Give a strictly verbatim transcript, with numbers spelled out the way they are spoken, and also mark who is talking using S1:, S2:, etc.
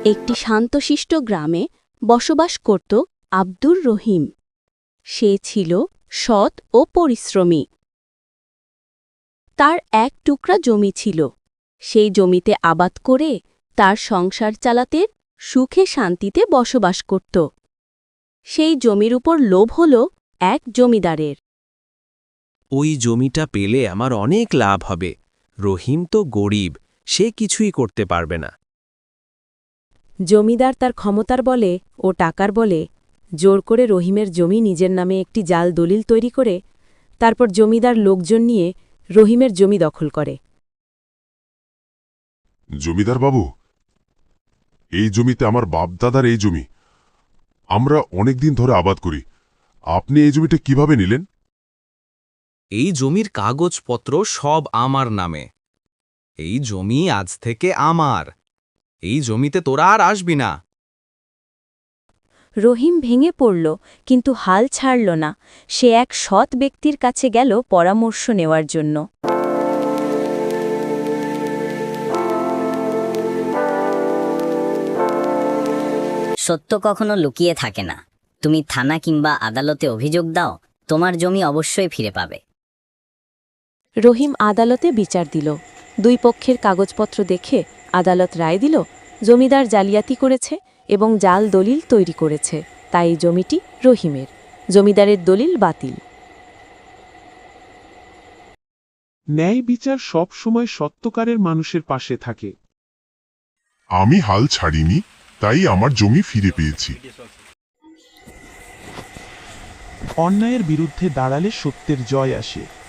S1: একটি শান্তশিষ্ট গ্রামে বসবাস করত আব্দুর রহিম। সে ছিল সৎ ও পরিশ্রমী। তার এক টুকরা জমি ছিল। সেই জমিতে আবাদ করে তার সংসার চালাতে সুখে শান্তিতে বসবাস করত। সেই জমির উপর লোভ হল এক জমিদারের।
S2: ওই জমিটা পেলে আমার অনেক লাভ হবে। রহিম তো গরিব, সে কিছুই করতে পারবে না।
S3: জমিদার তার ক্ষমতার বলে ও টাকার বলে জোর করে রহিমের জমি নিজের নামে একটি জাল দলিল তৈরি করে তারপর জমিদার লোকজন নিয়ে রহিমের জমি দখল করে।
S4: জমিদার বাবু, এই জমিতে আমার বাপদাদার এই জমি, আমরা অনেকদিন ধরে আবাদ করি। আপনি এই জমিটা কিভাবে নিলেন?
S5: এই জমির কাগজপত্র সব আমার নামে। এই জমি আজ থেকে আমার। এই জমিতে তোরা আর আসবি না।
S1: রহিম ভেঙে পড়ল, কিন্তু হাল ছাড়ল না। সে এক সৎ ব্যক্তির কাছে গেল পরামর্শ নেওয়ার জন্য।
S6: সত্য কখনো লুকিয়ে থাকে না। তুমি থানা কিংবা আদালতে অভিযোগ দাও, তোমার জমি অবশ্যই ফিরে পাবে।
S3: রহিম আদালতে বিচার দিল। দুই পক্ষের কাগজপত্র দেখে আদালত রায় দিল জমিদার জালিয়াতি করেছে এবং জাল দলিল তৈরি করেছে, তাই এই জমিটি রহিমের। জমিদারের দলিল বাতিল।
S7: ন্যায় বিচার সব সময় সত্যকারের মানুষের পাশে থাকে।
S4: আমি হাল ছাড়িনি, তাই আমার জমি ফিরে পেয়েছি।
S7: অন্যায়ের বিরুদ্ধে দাঁড়ালে সত্যের জয় আসে।